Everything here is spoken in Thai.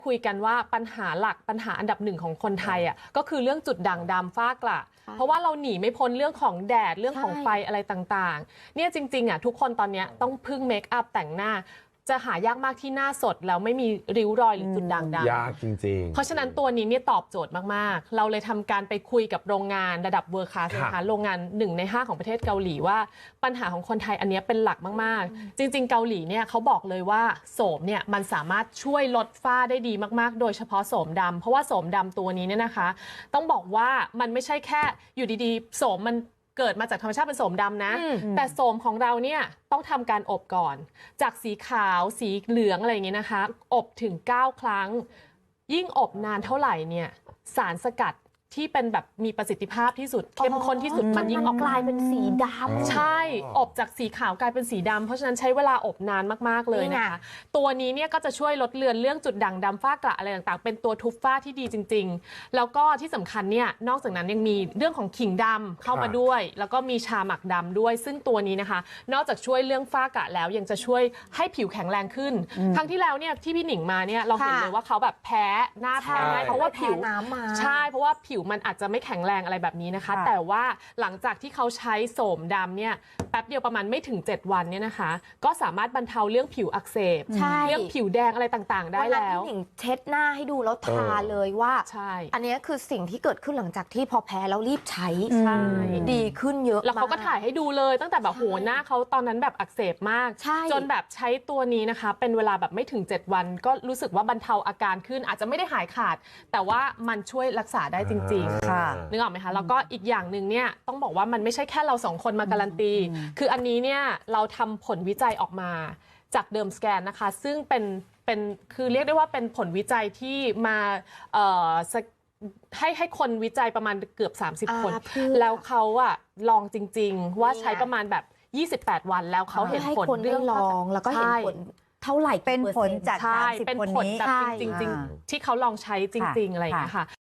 คุยกันว่าปัญหาหลักปัญหาอันดับหนึ่งของคนไทยอ่ะก็คือเรื่องจุดด่างดำฝ้ากระเพราะว่าเราหนีไม่พ้นเรื่องของแดดเรื่องของไฟอะไรต่างๆเนี่ยจริงๆอ่ะทุกคนตอนนี้ต้องพึ่งเมคอัพแต่งหน้าจะหายากมากที่หน้าสดแล้วไม่มีริ้วรอยหรือจุดด่างดำยากจริงๆเพราะฉะนั้นตัวนี้เนี่ยตอบโจทย์มากๆเราเลยทำการไปคุยกับโรงงานระดับเวอร์คลาสนะคะโรงงาน1 ใน 5ของประเทศเกาหลีว่าปัญหาของคนไทยอันนี้เป็นหลักมากๆจริงๆเกาหลีเนี่ยเขาบอกเลยว่าโสมเนี่ยมันสามารถช่วยลดฝ้าได้ดีมากๆโดยเฉพาะโสมดำเพราะว่าโสมดำตัวนี้เนี่ยนะคะต้องบอกว่ามันไม่ใช่แค่อยู่ดีๆโสมมันเกิดมาจากธรรมชาติเป็นโสมดำนะแต่โสมของเราเนี่ยต้องทำการอบก่อนจากสีขาวสีเหลืองอะไรอย่างเงี้ยนะคะอบถึง9 ครั้งยิ่งอบนานเท่าไหร่เนี่ยสารสกัดที่เป็นแบบมีประสิทธิภาพที่สุดเข้มข้นที่สุดมันยิ่งออกกลายเป็นสีดำใช่อบจากสีขาวกลายเป็นสีดำเพราะฉะนั้นใช้เวลาอบนานมากๆเลยนะคะตัวนี้เนี่ยก็จะช่วยลดเลือนเรื่องจุดด่างดำฝ้ากระอะไรต่างๆเป็นตัวทุบฝ้าที่ดีจริงๆแล้วก็ที่สำคัญเนี่ยนอกจากนั้นยังมีเรื่องของขิงดำเข้ามาด้วยแล้วก็มีชาหมักดำด้วยซึ่งตัวนี้นะคะนอกจากช่วยเรื่องฝ้ากระแล้วยังจะช่วยให้ผิวแข็งแรงขึ้นครั้งที่แล้วเนี่ยที่พี่หนิงมาเนี่ยเราเห็นเลยว่าเขาแบบแพ้หน้าแพ้ง่ายเพราะว่าผิวใช่เพราะว่าผิวมันอาจจะไม่แข็งแรงอะไรแบบนี้นะคะแต่ว่าหลังจากที่เขาใช้โสมดำเนี่ยแป๊บเดียวประมาณไม่ถึง7 วันเนี่ยนะคะก็สามารถบรรเทาเรื่องผิวอักเสบเรื่องผิวแดงอะไรต่างๆได้แล้วพี่หนิงเช็ดหน้าให้ดูแล้วทาเลยว่าอันนี้คือสิ่งที่เกิดขึ้นหลังจากที่พอแพ้แล้วรีบใช้ดีขึ้นเยอะแล้วเขาก็ถ่ายให้ดูเลยตั้งแต่แบบโหหน้าเขาตอนนั้นแบบอักเสบมากจนแบบใช้ตัวนี้นะคะเป็นเวลาแบบไม่ถึง7 วันก็รู้สึกว่าบรรเทาอาการขึ้นอาจจะไม่ได้หายขาดแต่ว่ามันช่วยรักษาได้จริงๆนึกออกไหมคะแล้วก็อีกอย่างหนึ่งเนี่ยต้องบอกว่ามันไม่ใช่แค่เรา2 คนมาการันตีคืออันนี้เนี่ยเราทำผลวิจัยออกมาจากเดิมสแกนนะคะซึ่งเป็นคือเรียกได้ว่าเป็นผลวิจัยที่มาให้คนวิจัยประมาณเกือบ30 คนแล้วเขาอะลองจริงๆว่าใช้ประมาณแบบ28 วันแล้วเขาเห็นผลเรื่องลองแล้วก็เห็นผลเท่าไหร่เป็นผลจาก30 คนนี้จริงๆที่เขาลองใช้จริงๆอะไรอย่างเงี้ยค่ะ